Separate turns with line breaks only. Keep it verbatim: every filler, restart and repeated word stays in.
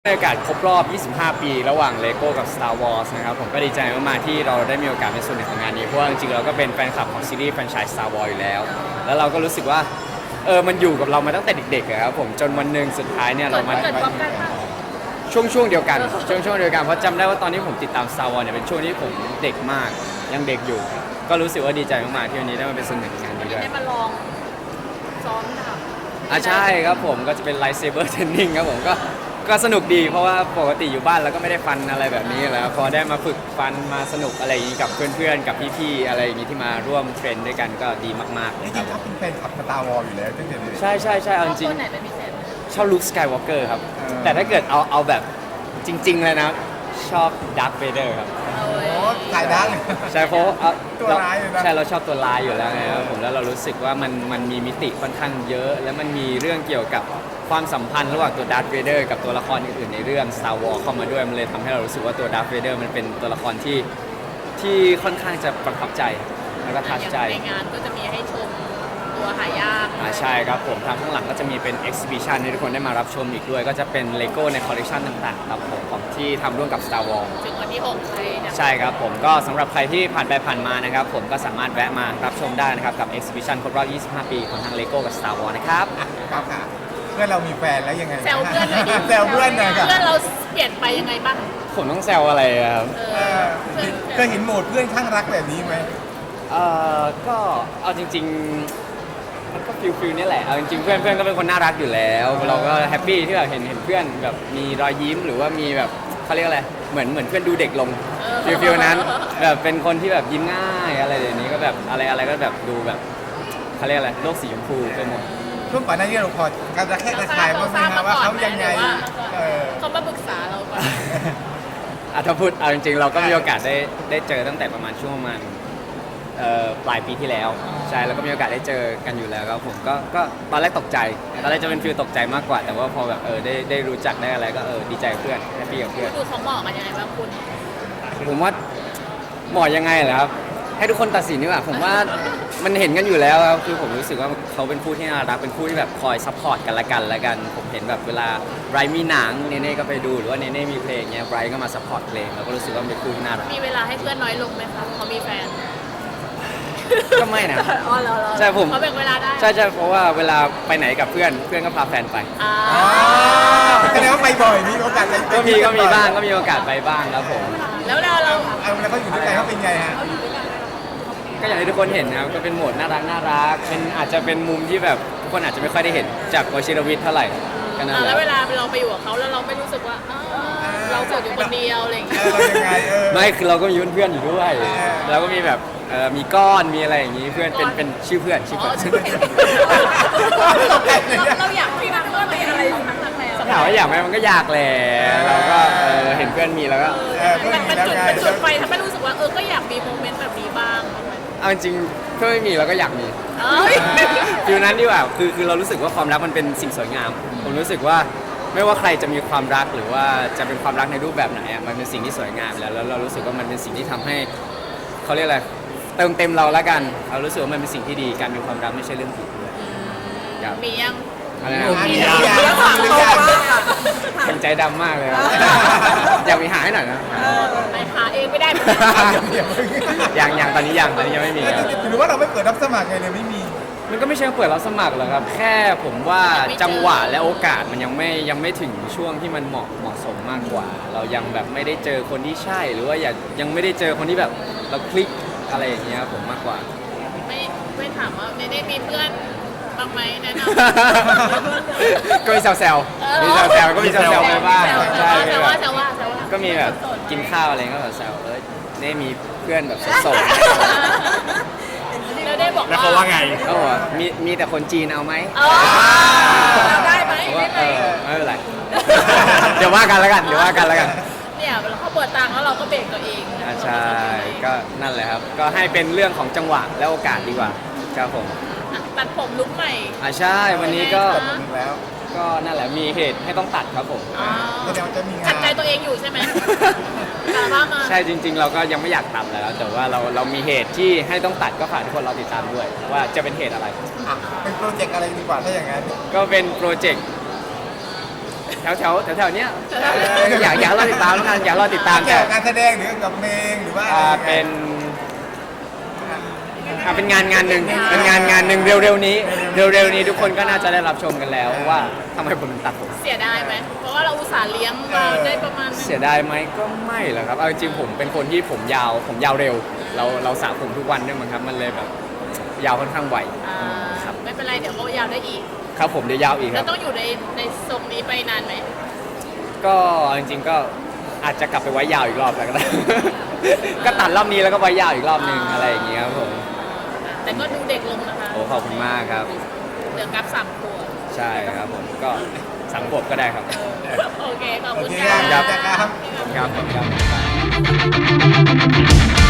ในโอกาสครบรอบ ยี่สิบห้า ปีระหว่าง Lego กับ Star Wars นะครับผมก็ดีใจมากๆที่เราได้มีโอกาสเป็นส่วนหนึ่งของงานนี้เพราะว่าจริงๆเราก็เป็นแฟนคลับของซีรีส์แฟรนไชส์ Star Wars อยู่แล้วแล้วเราก็รู้สึกว่าเออมันอยู่กับเรามาตั้งแต่เด็กๆอะครับผมจนวันหนึ่งสุดท้ายเนี่ยเรามา
เกิดพร้อมกันป่ะ
ช่วงช่วงเดียวกันช่วงช่วงเดียวกันเพราะจำได้ว่าตอนที่ผมติดตาม Star Wars เนี่ยเป็นช่วงที่ผมเด็กมากยังเด็กอยู่ ก็รู้สึกว่าดีใจมากๆที่วันนี้ได้มาเป็นส่วนหนึ่งของงานนี้ด้วย
ได้มาลองซ้อมดาบ
อ่ะใช่ครับผมก็จะเป็น Lightsaber Training ครับผมก็ก็สนุกดีเพราะว่าปกติอยู่บ้านเราก็ไม่ได้ฟันอะไรแบบนี้แล้วพอได้มาฝึกฟันมาสนุกอะไรอย่างนี้กับเพื่อนๆกับพี่ๆอะไรอย่างนี้ที่มาร่วมเทรนด้วยกันก็ดีมากๆเล
จ
ยค
ริ
รับ
งๆเขาเป็นแฟนคลับสตาร์วอลอยู่แล้วตั้งแต่เด็ก
ใช่ใช่ใช่เอาจริง
ตัวไหนเป็นพิเศษไหม
ชอบลุคสกายวอล์กเกอร์ครับ
เออ
แต่ถ้าเกิดเอาเอาแบบจริง ๆ เลยนะ ชอบดักเวเดอร์ครับ
เอาเว้ย
โอ้ถ่ายได้เลย
ใช่เพราะเอา
ตัวร้ายเลยนะ
ใช่เราชอบตัวร้ายอยู่แล้วไงครับผมแล้วเรารู้สึกว่ามันมันมีมิติค่อนข้างเยอะ แล้วมันมีเรื่องเกี่ยวกับความสัมพันธ์ระหว่างตัวดาร์ธเวเดอร์กับตัวละครอื่นๆในเรื่อง Star Wars เข้ามาด้วยมันเลยทำให้เรารู้สึกว่าตัวดาร์ธเวเดอร์มันเป็นตัวละครที่ที่ค่อนข้างจะประทับใจแล้วก็ทัชใจ
อย่างในงานก็จะมีให้ชมตัวหายาก
อ่าใช่ครับผมทางข้างหลังก็จะมีเป็น exhibition ให้ทุกคนได้มารับชมอีกด้วย ก็จะเป็น Lego ในคอลเลคชันต่างๆครับผมของที่ทำร่วมกับ Star Wars
ถึงวันที่หกเลยเนี่ย
ใช่ครับผมก็สำหรับใครที่ผ่านไปผ่านมานะครับผมก็สามารถแวะมารับชมได้นะครับกับ exhibition ครบรอบ ยี่สิบห้า ปีของทาง Lego กับ Star Wars นะครับ
ครับค่ะเพื่อนเรามีแฟนแล้วยังไง
แซวเพื่อนเลยดิ
แซวเพื่อนหน่อยครับ
เพื่อนเราเปลี่ยนไปยังไงบ้าง
ผมต้องแซวอะไรอะครับ
เอ
เอ
อ
อเคยเห็นโหมดเพื่อนข้างรักแบบนี้ไหม
เอ่อก็เอาจริงๆมันก็ฟิลฟิลนี่แหละเอาจริงๆเพื่อนเพื่อนก็เป็นคนน่ารักอยู่แล้ว เราก็แฮปปี้ที่แบบเห็นเห็นเพื่อนแบบมีรอยยิ้มหรือว่ามีแบบเขาเรียกอะไรเหมือนเหมือนเพื่อนดูเด็กลง ฟิลฟิลนั้นแบบเป็นคนที่แบบยิ้มง่ายอะไรอย่างนี้ก็แบบอะไรอะไรก็แบบดูแบบเขาเรียกอะไรโลกสีชมพูไปหมด
ช่วงก่อนหน้านี้เราพอการระแคะระคายบ้างไหมครับว่าเขายังไงเออ
เขามาปรึกษาเราก่อน
อ่ะถ้าพูดเอาจริงๆเราก็มีโอกาสได้ได้เจอตั้งแต่ประมาณช่วงประมาณเอ่อปลายปีที่แล้วใช่แล้วก็มีโอกาสได้เจอกันอยู่แล้วครับผมก็ก็ตอนแรกตกใจตอนแรกจะเป็นฟีลตกใจมากกว่า แต่ว่าพอแบบเออได้ได้รู้จักได้อะไรก็เออดีใจกับเพื่อนแฮปปี้กับเพื่อน
ดูเขาเหมาะกันยังไงบ้างคุณ
ผมว่าเหมาะยังไงเหรอครับให้ทุกคนตัดสินดีกว่าผมว่ามันเห็นกันอยู่แล้วครับคือผมรู้สึกว่าเขาเป็นคู่ที่น่ารักเป็นคู่ที่แบบคอยซัพพอร์ตกันละกันละกัน ผมเห็นแบบเวลาไบรท์มีหนังเนเน่ก็ไปดูหรือว่าเนเน่มีเพลงเงี้ยไบรท์ก็มาซัพพอร์ตเพลงแล้วก็รู้สึกว่าเป็นคู่ที่น่ารัก
มีเวลาให้เพื่อนน้อยลงไหมคะเขามีแฟน
ก็ไม่นะ
อ๋อเหรอเหรอ
ใช่ผม
เขาแบ่งเวลาได้
ใช่ใช่เพราะว่าเวลาไปไหนกับเพื่อนเพื่อนก็พาแฟนไป
อ่า
อ๋อแสดงว่าไปบ่อยมีโอกาสไป
ก็มีก็มีบ้างก็มีโอกาสไปบ้างครับผม
แล้วเราเรา
เอาแล้วเขาอยู่ด้วยกันเขาเป็นไงฮะ
ก็อย่างที่ทุกคนเห็นนะครับก็เป็นโหมดน่ารักน่ารักเป็นอาจจะเป็นมุมที่แบบทุกคนอาจจะไม่ค่อยได้เห็นจากวชิรวิทย์เท่าไหร่ก็นั่น
อ่า
แห
แล้วเว
ละ
ลาเราไปอยู่กับเขาแล้วเราไม่รู้สึกว่าอ้าวเราโสดอยู่คนเดียวอะไรอย่าง
เอ
เงี้ย
อเรายังไงเออ
ไม่คือเราก็มีเพื่อนๆอยู่ด้วยแล้วก็มีแบบเอ่อมีก้อนมีอะไรอย่างนี้เพื่อนเป็นเป็นชื่อเพื่อนชื่อ
อ๋อ
เพื่อน
ชื่อเราอยากให้เพื่อนมีอะไรทั้งนั้นแล้ว
ถามว่าอยากไหมมันก็อยากแหละเราก็เออเห็นเพื่อนมีแล้วก็
เออเพื่อน
มัน
มี
มัน
แล้ว
จุด
ไง
มันจุดไฟทำให้รู้สึกว่าเออก็อยากมีโมเมนต์แบบนี้บ้าง
เอาจริงๆถ้าไม่มีเราก็อยากมี
เอ้ย
ฟิลนั้นดีกว่าคือคือเรารู้สึกว่าความรักมันเป็นสิ่งสวยงาม ผมรู้สึกว่าไม่ว่าใครจะมีความรักหรือว่าจะเป็นความรักในรูปแบบไหนอ่ะมันเป็นสิ่งที่สวยงามแล้วแล้วเรารู้สึกว่ามันเป็นสิ่งที่ทำให้เขาเรียกอะไรเติมเต็มเราละกันเรารู้สึกว่ามันเป็นสิ่งที่ดีการมีความรักไม่ใช่เรื่องผิดด้วยครับ
มียัง
อะไรนะ
มี
มี
แล้
แล้ว ว
หรือยัง
เป็นใจดำมากเลยครับอยากมีหาให้หน่อยนะ
ไปหาเองไม่ได้เหมือน
อย่าเพิ่ง
ยังยังตอนนี้ยังตอนนี้ยังไม่มีครับ
หรือว่าเราไม่เปิดรับสมัครไงเนี่ยไม่มี
มันก็ไม่ใช่เปิดรับสมัครหรอกครับ แค่ผมว่าจังหวะและโอกาสมันยังไม่ยังไม่ถึงช่วงที่มันเหมาะเหมาะสมมากกว่า เรายังแบบไม่ได้เจอคนที่ใช่ หรือว่าอยากยังไม่ได้เจอคนที่แบบเราคลิกอะไรอย่างเงี้ยครับผมมากกว่า
ไม่ไม่ถามว่าเนเน่มีเพื่อนบ้างไหมแนะน
ก็มีแซว
ำ
ๆมีแซวๆก็มีแซวๆไปบ้าง
แซ
ใช่
ว
มี
แซว
แบ
ว่า
บ
แซวว่าแซวว่า
ก็มีแบบกินข้าวอะไรก็แบบแซวเอ้ยนี่มีเพื่อนแบบโสด
แล้วได้บอก
แล้วเขาว่าไง
ๆเขาบอกว่ามีมีแต่คนจีนเอาไหม
เออได้ไหม
ผมว่า
ได้
เอ
ไหม
อไม่เป็นไร เดี๋ยวว่ากันแล้วกันเดี๋ยวว่ากันแล้วกัน
เนี่ยเขาเปิดตังค์แล้วเราก็เบรกตัวเอง
อ่าใช่ก็นั่นแหละครับ ก็ให้เป็นเรื่องของจังหวะและโอกาสดีกว่าครับผม
อ่ะตัดผมลุกใหม่
อ่าใช่วันนี้ก็
เปิดหมดแล้ว
ก็นั่นแหละมีเหตุให้ต้องตัดครับผม
อ๋อ
แสดงว่าจะมีงาน
ขัดใจตัวเองอยู่ใช่ไหมกาบ้ามา
ใช่จริง ๆ เราก็ยังไม่อยากตัดแล้ว แต่ว่าเราเรามีเหตุที่ให้ต้องตัดก็ฝากทุกคนเราติดตามด้วย ว่าจะเป็นเหตุอะไร
อ่ะเป็นโปรเจกต์อะไรดีกว่าถ้าอย่างนั้น
ก็เป็นโปรเจกต์แถวแถวแถวแถวๆเนี้ยเอออยากอยากรอติดตามแล้วกันอยากรอติดตาม
เกี่
แต่
ยวกับการแสดงหรือกับเพลงหรือว่า
อ่าเป็นอ่าเป็นงานงานหนึ่งเป็นงานงานหนึ่งเร็วๆนี้เร็วๆนี้ทุกคนก็น่าจะได้รับชมกันแล้วว่าทำไมผมถึงตัดผม
เสียดายไหมเพราะว่าเราอุตส่าห์เลี้ยงมาได้ประมาณนึง
เสียดายไหมก็ไม่หรอกครับเอาจริงๆผมเป็นคนที่ผมยาวผมยาวเร็ว เราเราสระผมทุกวันด้วยมั้งครับมันเลยแบบยาวค่อนข้างไว
อ่า
ครับ
ไม่เป็นไรเดี๋ยวเขายาวได้อีก
ครับผมเดี๋ยวยาวอีกค
แล้
รั
ว
บ
ต้องอยู่ในในทรงนี้ไปนานไหม
ก็จริงๆก็อาจจะกลับไปไว้ยาวอีกรอบแล้วก็ได้ ก็ตัดรอบนี้แล้วก็ไว้ยาวอีกรอบนึงอะไรอย่างเงี้ยครับผม
แต่ก็ดูเด็กลงนะคะ
โอ้ขอบคุณมากครับ
เดี๋ยวกลับสามขวบ
ใช่ครับผมก็สังขวบก็ได้ครับ
โอเคขอบ
โอ
คุณ
เค
ค่ะ
ครับครับ
ครับผมครับ